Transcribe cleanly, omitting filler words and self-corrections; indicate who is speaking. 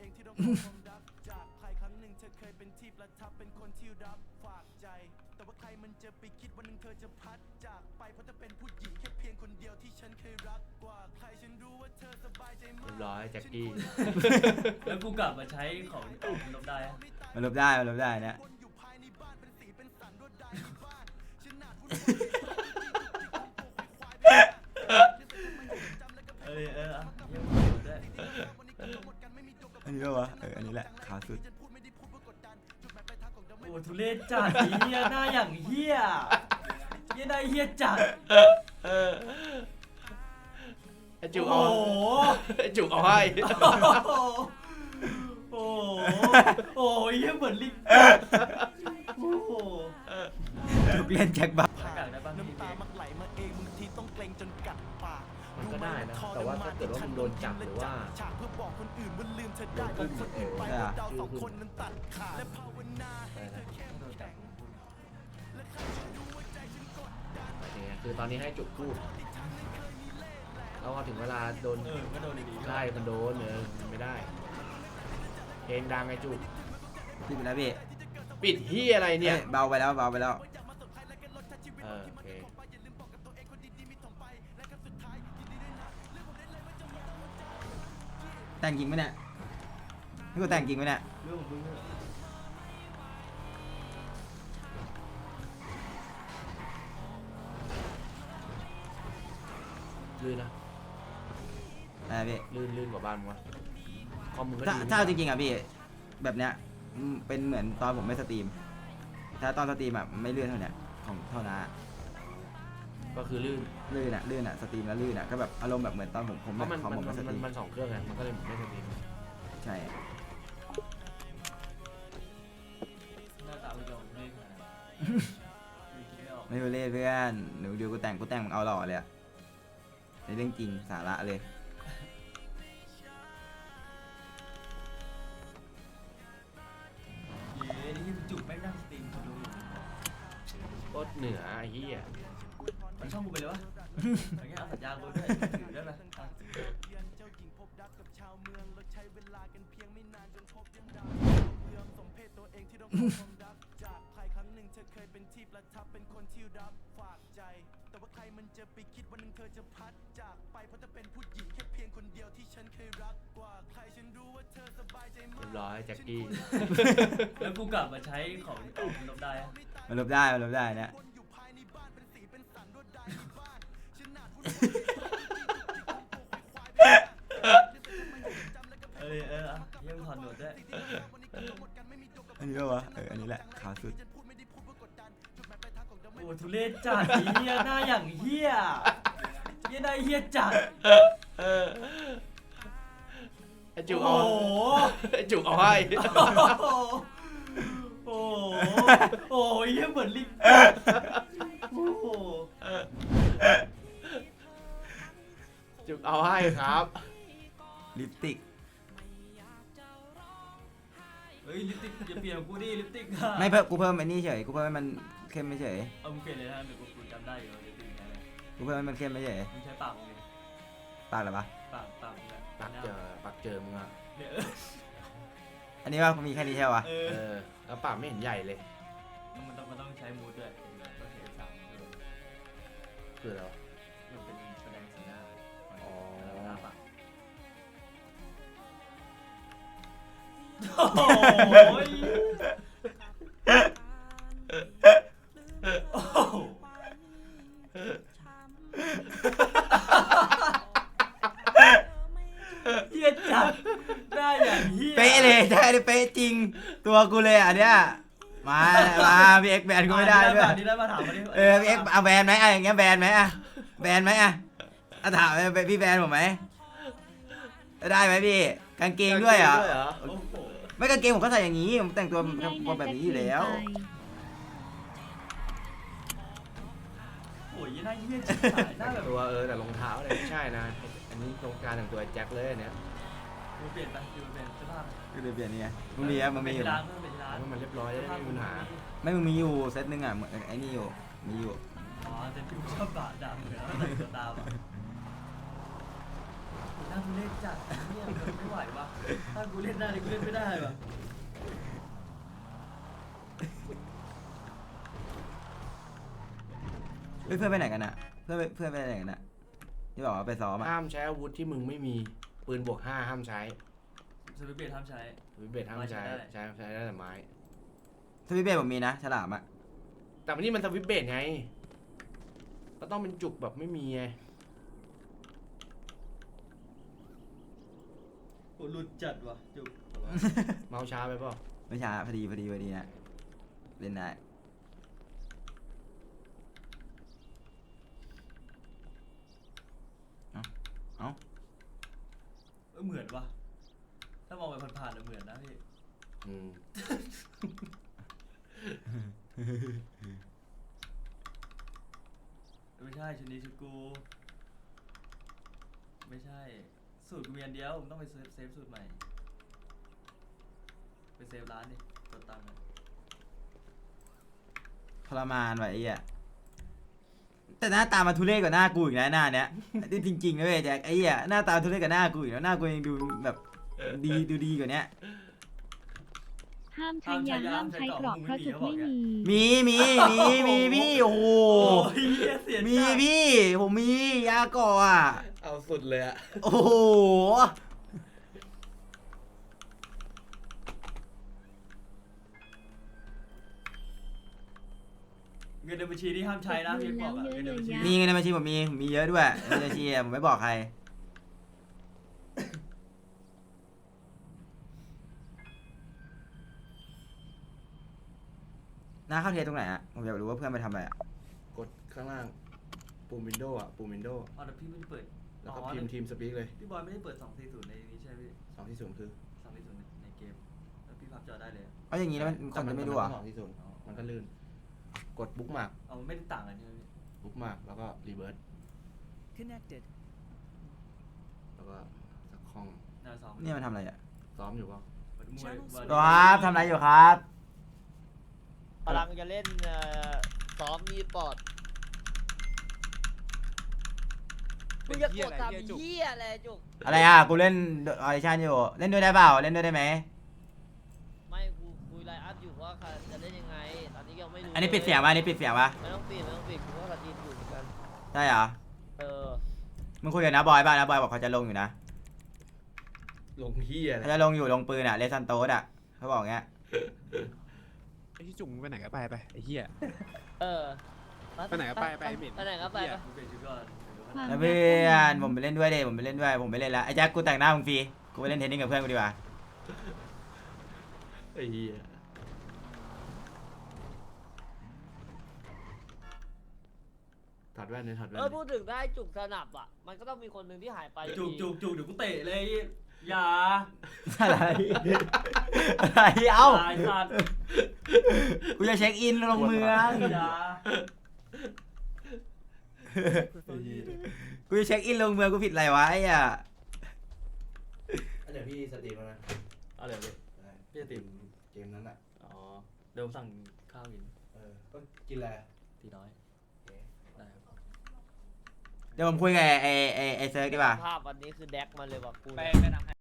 Speaker 1: เรียบร้อยแจ็คกี้
Speaker 2: แล้วกูกลับมาใช้ของต่อมันลบได้
Speaker 3: มันลบได้เนี่ย
Speaker 2: เยังด้วย
Speaker 3: อันนี้วะอันนี้แหละขาวสุด
Speaker 2: โอ้ทุเรศจัดเฮียหน้าอย่างเฮียหน้าเฮียจัด
Speaker 1: ไอจุกเอาไอจุกเอาให้
Speaker 2: โอ้ยเฮียเหมือนลิงโอ้โห
Speaker 3: ทุกเล่นแจ็คบ้า
Speaker 1: มันก็ได้นะแต่ว่าถ้าเกิดว่ามึงโดนจับหรือว่าคือตอนนี้ให้จุกพูดแล้วพอถึงเวลาโดน
Speaker 2: ก็โดนดีๆ
Speaker 1: ใช่มันโดนมันไม่ได้เพลงดังไงจุก
Speaker 3: พี่เป็นไรพี่
Speaker 1: ปิดที่อะไรเนี่ย
Speaker 3: เบาไปแล้ว
Speaker 1: โอเค
Speaker 3: แต่งจริงไหมเนี่ยพี่กูแต่งจริงไหมเนี่ย
Speaker 2: เรื่องของมึงเนี่ย
Speaker 1: ลื่นนะ
Speaker 3: พี่
Speaker 1: ลื่นกว่าบ้านมึงวะคอมมึงก็
Speaker 3: ถ้าจริงๆอ่ะพี่แบบเนี้ยเป็นเหมือนตอนผมไม่สตรีมถ้าตอนสตรีมอ่ะไม่ลื่นเท่าเนี้ยของเท่านั้น
Speaker 1: ก็คือลื่น
Speaker 3: ลื่นอ่ะสตรีมแล้วลื่นอ่ะก็แบบอารมณ์แบบเหมือนตอนผม
Speaker 1: เพราะมัน
Speaker 3: ของผมไม่สตรีม
Speaker 1: มันสองเครื่องไงมันก็เลยไม่สตรีม
Speaker 3: ใช่
Speaker 2: หน้าตาไม่ยอมไม่ขนาด
Speaker 3: ไม่รู้เล่เพื่อนหนูดูกูแต่งมึงเอาหล่อเลยอะในเรื่องจริงสาระเลย
Speaker 2: นี่จุกแม่งนั่งสตรีมดู
Speaker 1: โคตรเหนือไอ้เหี้ย
Speaker 2: มันช่องกูไปเลยวะอย่างเงี้ยเอาสัญญากูด้วยถือได้ไหม
Speaker 1: เรียบร้อยแจ็คกี้
Speaker 2: แล้วกูกลับมาใช้ของต่อมันลบได้
Speaker 3: มันลบได้เนี่ย
Speaker 2: ยังถอนหนวดด้วย
Speaker 3: อันนี้วะอันนี้แหละขาวสุด
Speaker 2: โอ้ทุเรศจัดเฮียหน้าอย่างเฮียหน้าเฮียจัด
Speaker 1: ไอจุกเอาไอจุกเอาให้
Speaker 2: โอ้ยเหมือนลิงโอ้โห
Speaker 1: จุกเอาให้ครับ
Speaker 3: ลิปสติก
Speaker 2: เฮ้ยลิปสติกอย่าเปลี่ยนกูดิลิปสติก
Speaker 3: ไม่เพิ่มกูเพิ่มไอ้นี่เฉยกูเพิ่มให้มันเข้มไม่เฉย
Speaker 2: เอามึงเปลี่ยนเลยนะเดี๋ยวกูจำได้อยู่ลิปสติกไง
Speaker 3: กูเพิ่มให้มันเข้มไม่เฉย
Speaker 2: มึงใช้ปากมึงดิ
Speaker 3: ปากเหรอปะ
Speaker 2: ปาก
Speaker 1: ปักเจอมึงอ่ะ
Speaker 2: เนี่ย
Speaker 3: อันนี้ว่ามีแค่นี้ใช่ปะ
Speaker 1: แล้วปากไม่เห็นใหญ่เลย
Speaker 2: มันต้องใช้มูดด้วยต้องใช้สาม
Speaker 1: คืออะไร
Speaker 2: มันเป็นแสดงสีหน้า
Speaker 1: อ๋อ
Speaker 2: หน้าปากโอ้โหเฮียจัดได้อย่างเฮีย
Speaker 3: เป๊ะเลยใช่เลยเป๊ะจริงตัวกูเลยอันเนี้ยมาพี่เอ็กแบนกูไม่ได้ด้วย
Speaker 2: นี่ได้มาถามมาดิ
Speaker 3: พี่เอ็กเอาแบนไหมอย่างเงี้ยแบนไหมแบนไหมถามพี่แบนผมไหมได้ไหมพี่กางเกงด้วยเหรอ
Speaker 2: โอ้โห
Speaker 3: ไม่กางเกงผมก็ใส่อย่างนี้ผมแต่งตัวแบบนี้อยู่แล้ว
Speaker 2: โอ้ยหน้าเฮียจัดหน้าแบบ
Speaker 1: ตัวแต่รองเท้าเนี่ยไม่ใช่นะอันนี้โครงการแต่งตัวแจ็คเลยเนี่ย
Speaker 2: ดูเปลี่ยนไปดูเปลี่ยนเสื้อผ้า
Speaker 3: ก็เลยเปลี่ยนนี่ไงมึงมีอะมึงมีอยู่
Speaker 2: ร้านเพิ่มเป็นร้าน
Speaker 1: ให้มันเรียบร้อยจะได้ไม่มีปัญหา
Speaker 3: ไม่มึงมีอยู่เซตนึงอ่ะเหมือนไอ้นี่อยู่มีอยู่
Speaker 2: อ๋อแต่พี่ชอบบาดำเหนือแล้วแต่งตัวตามอ่ะหน้าทุเรศจัดเนี่ยไม่ไหววะถ้ากูเล่นได้เลยกูเล่นไม่ได้ว่ะ
Speaker 3: เฮ้ยเพื่อนไปไหนกันอะเพื่อนไปไหนกันอะที่บอกว่าไปซ้อมอะ
Speaker 1: ห้ามใช้อาวุธที่มึงไม่มีปืนบวก 5ห้ามใช้
Speaker 2: สวิตช์เบรห้ามใช้
Speaker 1: วิเบตห้ามใช้ใช้ได้แต่ไม้
Speaker 3: สวิตช์เบสผมมีนะฉลามอะ
Speaker 1: แต่วันนี้มันสวิตช์เบตไงก็ต้องเป็นจุกแบบไม่มีไง
Speaker 2: โอ้หลุดจัดว่ะจุก
Speaker 1: เมาช้าไปเปล่า
Speaker 3: ไม่ช้าพอดีนะเล่นได้เอ้า
Speaker 2: เหมือนว่ะถ้ามองไปผ่านๆเหมือนนะพี่
Speaker 1: อืม
Speaker 2: ไม่ใช่ชุดนี้ชุดกูไม่ใช่สูตรกูมีอันเดียวมึงต้องไปเซฟสูตรใหม่ไปเซฟร้านดิกดตังค์
Speaker 3: ทรมานว่ะไอ้เหี้ยแต่หน้าตามันทุเรศกว่าหน้ากูอีกนะหน้าเนี้ยจริงๆนะเว้ยแจ็คไอ้เหี้ยหน้าตาทุเรศกว่าหน้ากูอีกแล้วหน้ากูยังดูแบบดีกว่าเนี้ย
Speaker 4: ห้ามใช้ยาห้ามใช้เกราะเพราะจุดไม่มี
Speaker 3: มีพี่โอ้โห
Speaker 2: โอ้ยเหี้ยเสีย
Speaker 3: มี
Speaker 2: จัด
Speaker 3: พี่ผมมียาก่ออ่ะ
Speaker 1: เอาสุดเลยอะ
Speaker 3: โอ้โห
Speaker 2: เงินในบัญชีที่ห้ามใช้นะพี่บอกอะเงินในบัญชี
Speaker 3: มีเงินในบัญชีผมมีเยอะด้วยเงินในบัญชีอะผมไม่บอกใครหน้าเข้าเทสตรงไหนอะผมอยากรู้ว่าเพื่อนไปทำอะไรอะ
Speaker 1: กดข้างล่างปุ่มวินโดว์อะปุ่มวินโดว์
Speaker 2: อ๋อแต่พี่ไม่ได้เปิด
Speaker 1: แล้วก็พิมพ์ทีมสปีกเลย
Speaker 2: พี่บอยไม่ได้เปิด240ในนี้ใช่ไหมพี่
Speaker 1: 2 ที่ 0คือ
Speaker 2: 240ในเกมแล้วพี่พับจอได้เลย
Speaker 3: เอาอย่างนี้แล้วมันคนจะไม่รู้อ่ะ
Speaker 1: 2 ที่ 0มันก็ลื่นกดบุ๊กมาร์ก
Speaker 2: เอาไม่ได้ต่างกันใช่ไหมพี่
Speaker 1: บุ๊กมาร์กแล้วก็รีเวิร์ส
Speaker 5: Connected.
Speaker 1: แล้วก็สักห้อง
Speaker 2: หน้าซ้อม
Speaker 3: นี่มันทำอะไรอ่ะ
Speaker 1: ซ้อมอยู่เปล่า
Speaker 2: มวย
Speaker 3: ครับทำอะไรอยู่ครับ
Speaker 6: กำลังจะเล่นซ้อมมีปอดมึงจะกดทำเหี้ยอะไรจุก
Speaker 3: อะไรอ่ะกูเล่นออดิชั่นอยู่เล่นด้วยได้เปล่าเล่นด้วยได้ไหม
Speaker 6: ไม่กูคุยไลน์อัพอยู่ว่าจะเล่นยังไง ตอนนี้ยังไม่รู้
Speaker 3: อันนี้ปิดเสียงป่ะอันนี้ปิดเสียงป่ะ
Speaker 6: ไม่ต้องปิดกูว่าเราดีอยู่เหมือนกัน
Speaker 3: ได้เหรอ
Speaker 6: เออ
Speaker 3: มึงคุยกับน้าบอยป่ะน้าบอยบอกเขาจะลงอยู่นะ
Speaker 1: ลงเฮียอะไร
Speaker 3: เขาจะลงอยู่ลงปืนอ่ะเลซันโตสอ่ะเขาบอกอย่างเงี้ย
Speaker 7: ไอ้ที่จุ่มมึงไปไหนก็ไปไอ้เหี้ย
Speaker 6: เออ
Speaker 7: ไปไหนก็ไปเหม็น
Speaker 6: ไปไหนก็ไป
Speaker 2: กูเปลี่ยนชุดก่อน
Speaker 4: ความ
Speaker 3: แล้วเพื่อนผมไปเล่นด้วยดิผมไปเล่นด้วยผมไปเล่นแล้วไอ้แจ็คกูแต่งหน้ามึงฟรีกูไปเล่นเทนนิสกับเพื่อนกูดีกว่า
Speaker 1: ไอ้เฮียถอดแว่นเลยถอดแว่น
Speaker 6: พูดถึงได้จุกสนับอ่ะ มันก็ต้องมีคนหนึ่งที่หายไป
Speaker 2: จุกเดี๋ยวกูเตะเลยอย่า
Speaker 3: อะไรอะไรเอ้า
Speaker 2: ตายสัตว์
Speaker 3: กูจะเช็คอินลงเมือง
Speaker 2: อย่า
Speaker 3: กูจะเช็คอินลงเมืองกูผิดอะไรวะไอ้อ่ะ
Speaker 1: เดี๋ยวพี่สตรีมแล้วนะ
Speaker 2: เอาเดี๋ยวพี่
Speaker 1: พี่สตรีมเกมนั้นอ่ะ
Speaker 2: อ๋อเดี๋ยวผมสั่งข้าวกิน
Speaker 1: ก็กินอะไร
Speaker 2: ตีน้อยได้ครับ
Speaker 3: เดี๋ยวผมคุยกับไอ้เซิร์กดีกว่า
Speaker 6: ภาพวันนี้คือแดกมาเลยว่ะกู
Speaker 2: ไปทำ